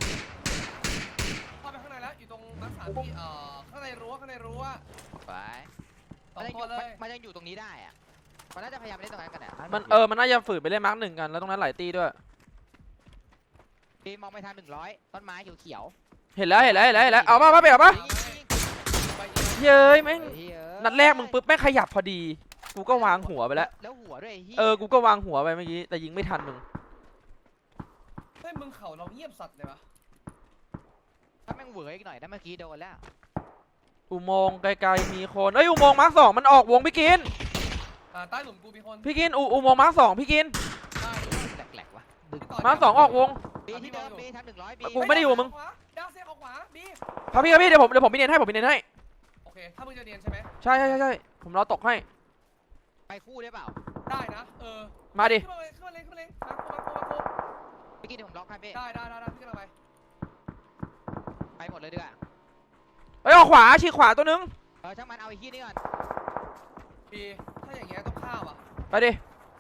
Speaker 2: เข้าไปข้างในแล้วอยู่ตรงรักษาที่เอ่อข้างในรั้วข้างในรั้ว
Speaker 1: ไป
Speaker 2: สอ
Speaker 1: มัน
Speaker 2: ง
Speaker 1: ยังอ
Speaker 2: ตัว
Speaker 1: ยู่
Speaker 2: เลย
Speaker 1: มันยังอยู่ตรงนี้ได้อ่ะมันน่าจะพยายามเล่นตรงนั้นกันแหละ
Speaker 3: มันเออมันน่าจะฝืนไปเล่นมาร์กหนึ่งกันแล้วตรงนั้นหลายตีด้วย
Speaker 1: ปีมองไปทางหนึ่งร้อยต้นไม้เขียว
Speaker 3: เห็นแล้วเห็นแล้วเห็นแล้วเห็นแล้วเอาป่ะป่ะไปเอาป่ะ
Speaker 2: ไปเยอะ
Speaker 3: เย้ยแม่ง
Speaker 1: ๆ
Speaker 3: นัดแรกมึงปุ๊บแม่งขยับพอดีกูก็วางหัวไปแล้ว
Speaker 1: แล้วหัวด้วยไอ้เหี้ย
Speaker 3: เออกูก็วางหัวไปเมื่อกี้แต่ยิงไม่ทันมึง
Speaker 2: เฮ้ยมึงเข่าเราเงียบสัตว์เลยวะ
Speaker 1: ถ้าแม่งเหวออีกหน่อยนะเมื่อกี้โดนแล้ว
Speaker 3: อุโมงค์ไกลๆมีคนเอ้ยอุโมงค์มาร์คสองมันออกวงพี่กิน
Speaker 2: อ่าใต้หลุมกูมีคน
Speaker 3: พี่กินอุอุโมงค์มาร์คสองพี่กิน
Speaker 2: ได้
Speaker 1: แหลกๆว่ะดึง
Speaker 2: พี่ต่
Speaker 3: มาร์คสองออกวง
Speaker 1: บีที่เดิมบีทางหนึ่งร้อยบี
Speaker 3: กูไม่ได้อยู่กับมึง
Speaker 2: ขวาดาวเซฟออกขวาบี
Speaker 3: ครับพี่ครับพี่เดี๋ยวผมเดี๋ยวผมมีเนียนให้ผมมีเนียนให้
Speaker 2: โอเคถ้ามึงจะเรียนใช่ไหม
Speaker 3: ใช่ใช่ใช่ใช่ผมรอตกให้
Speaker 1: ไปคู่ได้เปล่า
Speaker 2: ได้นะเออ
Speaker 3: มาดิ
Speaker 2: ขึ้นมาเลยขึ้นมาเลยขึ้นมาเลยมาโคมาโคมาโค
Speaker 1: เมื่อกี้เดี๋ยวผมล็อกให้พี่
Speaker 2: ได้ได้ได้ได้พี่กำลังไป
Speaker 1: ไปหมดเลยดีกว่า
Speaker 3: เอ้ยออกขวาฉีกขวาตัวนึง
Speaker 1: เออช่างมันเอาไอ้ขี้นี่ก่อน
Speaker 2: บีถ้าอย่างเงี้ยต้องฆ่าว่ะ
Speaker 3: ไปดิ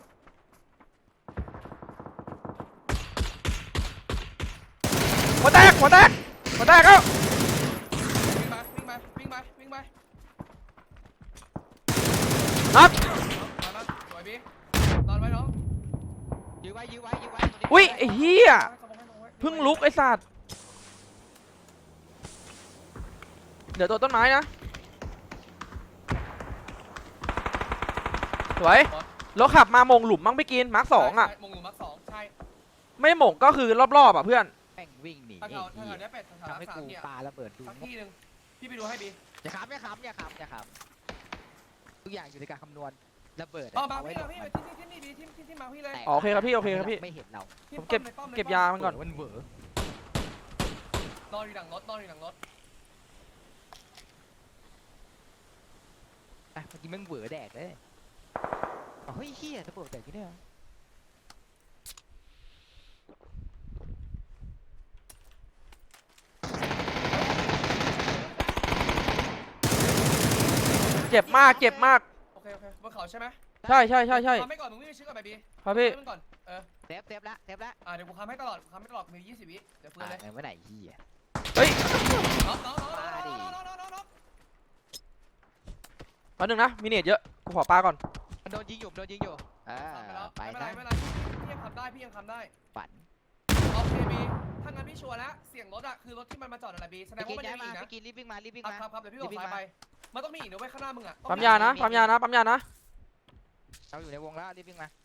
Speaker 3: หัวแตกหัวแตกหัวแตกแล้ว
Speaker 2: วิ่งไปวิ่งไปวิ่งไปวิ่งไป
Speaker 3: นับ
Speaker 2: มามาสวยบีนอนไว้น้อง
Speaker 1: ยื้อไว้ยื้อไว้ยื้อไว้
Speaker 3: อุ้ยไอ้เหี้ยเพิ่งลุกไอ้สัตว์เดี๋ยวตัวต้นไม้นะสวยแล้วขับมามงหลุมมั้งไม่กินมาร์คสองอ่ะ
Speaker 2: ใช่มงหลุมมาร์คสองใช่
Speaker 3: ไม่หมงก็คือรอบๆอ่ะเพื่อน
Speaker 1: แม่งวิ่งหนี
Speaker 2: ถ้า
Speaker 1: ไอ้
Speaker 2: เขาถ้า
Speaker 1: เหี้
Speaker 2: เขา
Speaker 1: ย
Speaker 2: ได้เป็ดแถว
Speaker 1: ทำให้
Speaker 2: ๆสาม
Speaker 1: กู
Speaker 2: เนี่ย
Speaker 1: ปาระเบิดดู
Speaker 2: สักที่หนึ่งพี่ไปดูให้บี
Speaker 1: อย่าขำอย่าขำอย่าขำอย่าขำทุกอย่างอยู่ในการคำนวณระเบิด
Speaker 2: อ๋อมา
Speaker 1: เอาไว้
Speaker 2: พี่
Speaker 1: หล
Speaker 2: มา
Speaker 1: บ
Speaker 2: พี่
Speaker 1: มัน
Speaker 2: ที่ที่ที่นี่บีที่ที่ที่มาพี่เลย
Speaker 1: แตก
Speaker 3: อ๋อโอเคครับพี่โอเคครับพี่
Speaker 1: ไม่เห็นเรา
Speaker 2: ที่
Speaker 3: ผมเก็บ
Speaker 2: ป้อมลยป้อมล
Speaker 3: เก็บยามันก่อน
Speaker 1: มันเหวอน
Speaker 2: อนอยู่หลังรถนอนอยู่หลังรถ
Speaker 1: อ่ะเมื่อกี้แม่งเหวอแดกเลยอ๋อเฮ้ยเฮียระเบิดแตกที่เนี่ย
Speaker 3: เจ็บมากเจ็บมาก
Speaker 2: โอเคโอเคบนเขาใช่ไหม
Speaker 3: ใช่ใช่ใช่ใช่
Speaker 2: ทำให้ก่อนมึงวิ่งไปชื่อกับแบบบี
Speaker 3: ครับพี่
Speaker 2: ทำให้ก่อนเออ
Speaker 1: เซฟเซฟละเซฟละ
Speaker 2: อ่าเดี๋ยวกูทำให้ตลอดทำให้ตลอดมียี่สิบวิเดี๋ยวฟื้น
Speaker 1: อ่า
Speaker 2: เลย
Speaker 1: ไหนเมื่อไหร่เฮีย
Speaker 3: เฮ้ย
Speaker 2: น้องน้องน้องน้องน้องน้องน้องน้องน้อง
Speaker 3: แป๊บนึงนะมีเนตเยอะกูขอปลาก่อน
Speaker 1: มันโดนยิงอยู่โดนยิงอยู่อ่า
Speaker 2: ไป
Speaker 1: ไป
Speaker 2: แล้ว
Speaker 1: นะ
Speaker 2: ไม่เป็นไรไม่เป็นไรพี่ยังทำได้พี่ยังทำได้
Speaker 1: ฝัน
Speaker 2: โอเคบีถ้างั้นพี่ชัวร์แล้วเสียงรถอะคือรถที่มันมาจอดอะไรบีแสด
Speaker 1: ไป
Speaker 2: ง
Speaker 1: กิ
Speaker 2: ว่าน มัน
Speaker 1: ย้า
Speaker 2: ยั
Speaker 1: ย
Speaker 2: งมี
Speaker 1: มา
Speaker 2: อีกนะ
Speaker 1: ไปกินรีบวิ่งมารีบวิ่ง
Speaker 2: ครับ
Speaker 1: มา
Speaker 2: ครับครับเดี๋ยวพี่บอก
Speaker 1: รีบวิ่
Speaker 2: ซ้าย
Speaker 1: ง
Speaker 2: ไป
Speaker 1: มา
Speaker 2: มันต้องมีอีกนะเว้ยข้างหน้ามึงอะ
Speaker 3: ปั๊มยานะปั๊มยานะปั๊มยานะ
Speaker 1: เราอยู่ในวงแล้วรีบวิ่งมา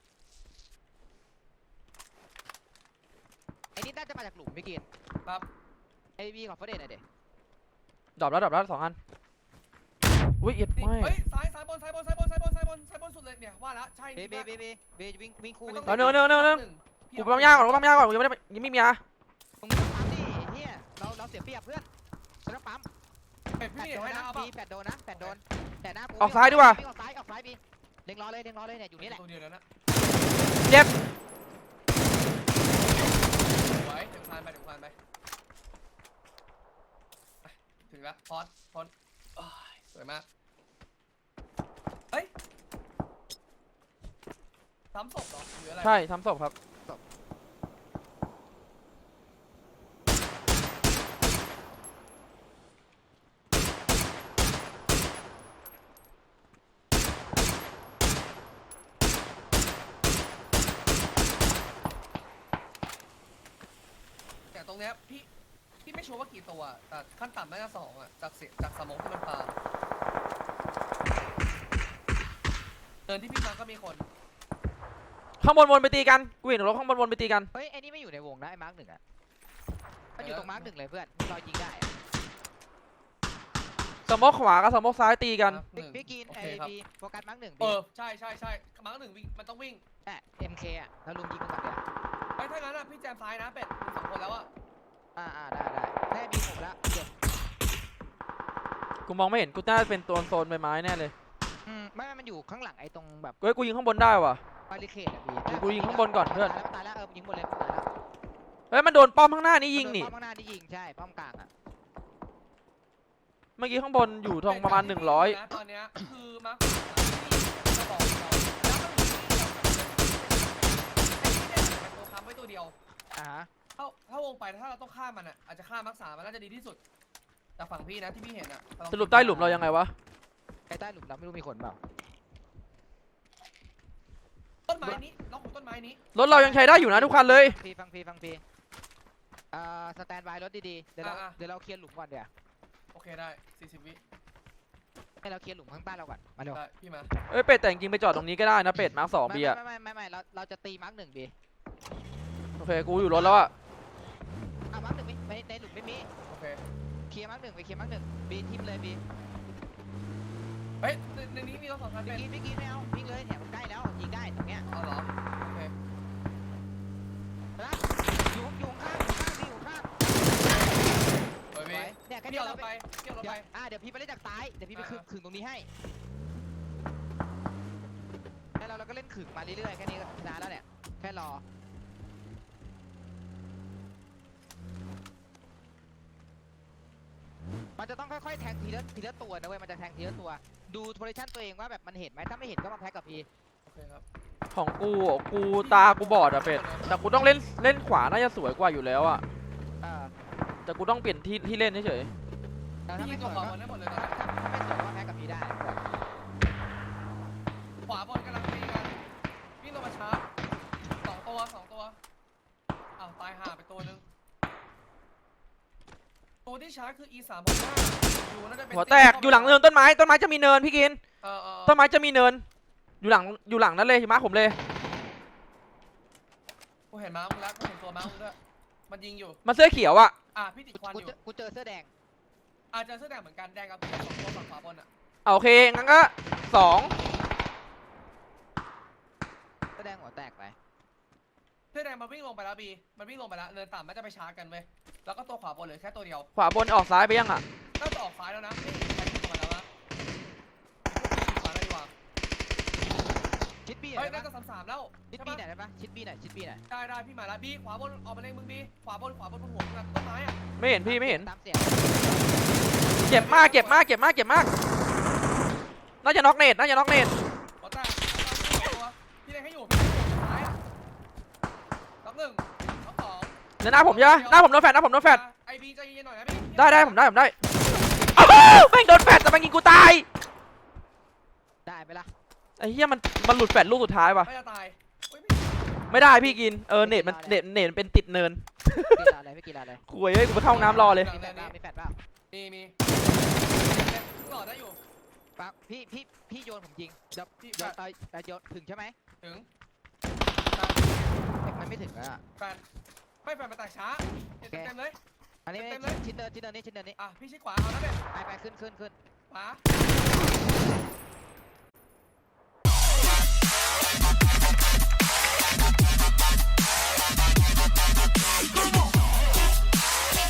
Speaker 1: ไอ้นี่น่าจะมาจากหลุมไม่กิน
Speaker 2: ครับ
Speaker 1: ไอ้บีขอเฟรเดนหน่อยเด็
Speaker 3: ดรอปแล้วดรอปแล้วสองอันอุ้ยเอ็ด
Speaker 2: นี่
Speaker 3: ไม่
Speaker 2: เฮ้ยซ้ายซ้ายบนซ้ายบนซ้ายบนซ้ายบนซ้ายบนซ้ายบนสุดเลยเนี่ยว่าแล้วใช่
Speaker 1: เบเบเบเบเบวิ่งวิ่งคู่
Speaker 2: ไม่
Speaker 1: วิ่
Speaker 2: ต้อง
Speaker 1: ง
Speaker 3: เนื้อเนื้อเนื้อเนื้อกูปั๊มยาก่อนกูปั๊มยาก่อนกูยังไม่ได้ยังไม่มียา
Speaker 1: มึงไม่ต้องปั๊มดิเฮียเราเราเสียเปรียบเพื่อนฉันต้องปั๊ม
Speaker 2: เป็ด
Speaker 1: แป
Speaker 2: พี่
Speaker 1: ด
Speaker 2: เห็น
Speaker 1: โดน
Speaker 2: ไหม
Speaker 1: นะ
Speaker 2: นะเอา
Speaker 1: บี
Speaker 2: ป่ะ
Speaker 1: แปดโดนนะแปดโดนแต่หน้ากู
Speaker 3: ออกซ้ายดีกว่า
Speaker 1: วิ่งออกซ้ายออกซ้ายบีเล็งรอเลยเล็งรอเลยเนี่ยอยู่นี่แหละ
Speaker 2: ตัวเดียวแล้วนะ
Speaker 3: เจ็บ
Speaker 2: ไว้เดี๋ยวคลานไปเดี๋ยวคลานไปถึงแล้วพอดพอดสวยมากเฮ้ยซ้ำศพเหรอหรืออะไร
Speaker 3: ใช่ทำศพครับ
Speaker 2: แต่ตรงเนี้ยพี่พี่ไม่ชัวร์ว่ากี่ตัวแต่ขั้นต่ำน่าจะสองอะจากเสียจากสมองที่มันปาเดินที่พี่มาก็มีคน
Speaker 3: ข้างบนวนไปตีกันกูเห็นรถข้างบนวนไปตีกัน
Speaker 1: เฮ้ยไอ้นี่ไม่อยู่ในวงนะไอ้มาร์กหนึ่งอะมันอยู่ตรงมาร์กหนึ่งเลยเพื่อนรอยยิงได้อะ
Speaker 3: สมอกขวากับสมอกซ้ายตีกัน
Speaker 2: หนึ่ง
Speaker 1: พี่กิน
Speaker 2: โอ
Speaker 1: ไอ
Speaker 2: เคครับ
Speaker 1: บีโฟกัสมาร์กหนึ่ง
Speaker 2: เออใช่ใช่ใช่มาร์คหนึ่งวิ่งมันต้องวิ่ง
Speaker 1: แต่เอ็มเคอะแล้วลุงยิงมันก่อนเดี๋ยว
Speaker 2: ไอ้ถ้างั้นอะพี่แจมซ้ายนะเป็ดมีสองคนแล้วอะ
Speaker 1: อ่าอ่าได้ได้ได้บีผมแล้วเจ็บ
Speaker 3: กูมองไม่เห็นกูน่าจะเป็นตัวโซนใบไม้แน่เลย
Speaker 1: อืมไม่ไม่มันอยู่ข้างหลังไอ้ตรงแบบ
Speaker 3: เฮ้ยกูยิงข้างบนได้ว่ะ
Speaker 1: บาริเคดอะบี
Speaker 3: กูยิงข้างบนก่อนเพื่อน
Speaker 1: ตายแล้วตายแล้วเออยิงบนเลยตายแล้ว
Speaker 3: เฮ้ยมันโดนป้อมข้างหน้านี่ยิงนี่
Speaker 1: ป้อมข้างหน้าที่ยิงใช่ป้อมกลางอะ
Speaker 3: เมื่อกี้ข้างบนอยู่ทองประมาณหนึ่งร้อย
Speaker 2: ตอนเนี้ยคือมาร์คที่จะบอกเราแล้วก็มีที่เดียวเป็นตัวค้ำไว้ตัวเดียว
Speaker 1: อ่าฮะ
Speaker 2: ถ้าถ้าวงไปถ้าเราต้องฆ่ามันอ่ะอาจจะฆ่ามักษามันน่าจะดีที่สุดจากฝั่งพี่นะที่พี่เห็นอ่ะ
Speaker 3: สรุปใต้หลุมเรายังไงวะ
Speaker 1: ไอ้ใต้หลุมเราไม่รู้มีคนเปล่า
Speaker 2: ม้นี้ล็อกของต้นไม้นี้
Speaker 3: รถเรายังใช้ได้อยู่นะทุกคันเลย
Speaker 1: ฟังพีฟังพีฟังพีเอ่อสแตนบายรถดีๆเดี๋ยวเราเดี๋ยวเราเคลียร์หลุมก่อนเดี๋ยว
Speaker 2: โอเคได้สี่สิบวิ
Speaker 1: ให้เราเคลียร์หลุมข้างใต้เราก่อนมาเร็ว
Speaker 2: ได้พี่มา
Speaker 3: เอ้ยเป็ดแต่จริงๆไปจอดตรงนี้ก็ได้นะเป็ดมาร์คสอง
Speaker 1: ไม่
Speaker 3: บีอะ
Speaker 1: ไม่ไม่ไม่ไม่เราเราจะตีมาร์กหนึ่งบี
Speaker 3: โอเคกูอยู่รถแล้วอะ
Speaker 1: อ่ะมาร์กหนึ่งไม่ในหลุมไม่มี
Speaker 2: โอเค
Speaker 1: เคลียร์มาร์กหนึ่งไปเคลียร์มาร์กหนึ่งบีทิมเลยบี
Speaker 2: เฮ้ยในในนี้มีรถสองคัน
Speaker 1: เมื่
Speaker 2: เป็
Speaker 1: อน กี้เมื่อกี้ไม่เอาวิ่งเลยเนี่ยมันใกล้แล้วยิงได้ตรงเนี้ย
Speaker 2: เอาเหรอโอเค
Speaker 1: นะอยู่อยู่ข้างอยู่ข้างบีอยู่ข้าง
Speaker 2: เฮ้ย
Speaker 1: ส
Speaker 2: พี่
Speaker 1: วยเนี่ยแค่
Speaker 2: เกี่
Speaker 1: นี้
Speaker 2: ยวร
Speaker 1: เรา
Speaker 2: ถ
Speaker 1: ไป
Speaker 2: ไปเกี่ยวรถ
Speaker 1: เดี๋ยว
Speaker 2: ไป
Speaker 1: อ่ะเดี๋ยวพี่ไปเล่นจากซ้ายเดี๋ยวพี่ไปขึง
Speaker 2: อ่า
Speaker 1: ขึงตรงนี้ให้แล้วเราเราก็เล่นขึงมาเรื่อยๆแค่นี้ก็ชนะแล้วเนี่ยแค่รอมันจะต้องค่อยๆแทงทีละทีละตัวนะเว้ยมันจะแทงทีละตัวดูโพซิชั่นตัวเองว่าแบบมันเห็นไหมถ้าไม่เห็นก็มาแพ็กกับพี่
Speaker 2: โอเคครับ
Speaker 3: ของกูอ่ะกูตากูบอดอะเป็ดแต่กูต้องเล่นเล่นขวาน่าจะสวยกว่าอยู่แล้วอะ
Speaker 1: เออ
Speaker 3: แต่กูต้องเปลี่ยนที่ที่เล่นเฉย
Speaker 1: แต่ถ้า
Speaker 2: พี่
Speaker 1: ไม่
Speaker 2: ยิง
Speaker 1: ส
Speaker 2: ตัว
Speaker 1: วย
Speaker 2: ขวา
Speaker 1: ก็
Speaker 2: บนได้หมดเลยตอนนี้
Speaker 1: ถ้าไม่สวยก็แพ็กกับพี่ได้
Speaker 2: ขวาบนกำลังวิ่งกันวิ่งลงมาชาร์จสองตัวสองตัวอ้าวตายห่าไปตัวนึงตัวที่ชาร์จคือ อี สามหกห้าอยู่น่าจะเป็น
Speaker 3: ๆหัวแตกอยู่หลังเนินต้นไม้ต้นไม้จะมีเนินพี่กิน
Speaker 2: เออเออ
Speaker 3: ต้นไม้จะมีเนิน อยู่หลังอยู่หลังนั้นเลยมาร์คผมเลย
Speaker 2: กูเห็นม้ามึงแล้วกูเห็นตัวม้ามึงด้วยมันยิงอยู่
Speaker 3: มันเสื้อเขียวอะ
Speaker 2: อ่ะพี่ติดควัน
Speaker 1: กู
Speaker 2: อยู่
Speaker 1: เจอกูเจอเสื้อแดง
Speaker 2: อาจจะเสื้อแดงเหมือนกันแดงกับสองตัวฝั่งขวาบนอ่ะ
Speaker 3: เอาโอเคงั้นก็สอง
Speaker 1: เสื้อแดงหัวแตกไป
Speaker 2: เสื้อแดงมันวิ่งลงไปแล้วบีมันวิ่งลงไปแล้วเนินต่ำมันจะไปชาร์จกันเว้ยแล้วก็ตัวขวาบนเหลือแค่ตัวเดียว
Speaker 3: ขวาบนออกซ้ายไปยังอะ
Speaker 2: น่าจะออกซ้ายแล้วนะไม่เห็นใครวิ่งออกมาแล้วนะขวาแล้วดีกว่า
Speaker 1: ชิดบี้หน่
Speaker 2: เฮ้
Speaker 1: อย ยได้
Speaker 2: น่า
Speaker 1: ปะ
Speaker 2: จะสามสามแล้ว
Speaker 1: ชิด
Speaker 2: ใช่
Speaker 1: บี้
Speaker 2: ปะ
Speaker 1: หน่อยได้ปะชิดบี้หน่อยชิดบี้หน่อย
Speaker 2: ได้ได้พี่มาแล้วบีขวาบนออกมาเลยมึงบีขวาบนขวาบนบนหัวมึงอะต้นไม้อ่ะ
Speaker 3: ไม่เห็นพี่ไม่เห็น
Speaker 1: ตามเสียง
Speaker 3: เจ็บมากเจ็บมากเจ็บมากเจ็บมากน่าจะน็อกเนตน่าจะน็อกเนต
Speaker 2: หัวแตกตัวพี่เล็งให้อยู่พี่เล็งให้อยู่ซ้ายล็อกหนึ่งล็อกสอง
Speaker 3: เดี๋ยวหน้าผมเยอะหน้าผมโดนแฟดหน้าผมโดนแฟด
Speaker 2: ไอบีใจเย็นๆหน่อยนะพี่
Speaker 3: ได้ได้ผมได้ผมได้อ้าวแม่งโดนแฟดแต่แม่งยิงกูตาย
Speaker 1: ได้ไหมล่ะ
Speaker 3: ไอ้เหี้ยมันมันหลุดแฟดลูกสุดท้ายว่ะ
Speaker 2: ไม่จะตายเฮ้ยไม่
Speaker 3: ไม่ได้พี่กินเออเน็ตมันเน็ตเน็ตมันเป็นติดเนิน
Speaker 1: กีฬาอะไรไม่กีฬาอะไร
Speaker 3: คุยเฮ้ยกูไปเข้าห้องน้ำรอเลย
Speaker 1: มีแฟดเปล่ามีแฟดเปล่า
Speaker 2: มีมีหลอดได้อยู่
Speaker 1: ปะพี่พี่พี่โยนผมยิงเดี๋ยว
Speaker 2: พี่
Speaker 1: เดี๋ยว
Speaker 2: แฟด
Speaker 1: ตอนแต่โยนถึงใช่ไหม
Speaker 2: ถึง
Speaker 1: เด็กมันไม่ถึงอ่ะ
Speaker 2: แฟนไม่แฟนมาแตกช้าเต็มเต็มเลย
Speaker 1: อันนี้
Speaker 2: เต็มเลย
Speaker 1: ชิ้นเดินชิ้นเดินนี่ชิ้นเดินนี่
Speaker 2: อ่ะพี่ชิดขวาเอานะเด็ก
Speaker 1: ไปไปขึ้นขึ้นขึ้น
Speaker 2: ขวา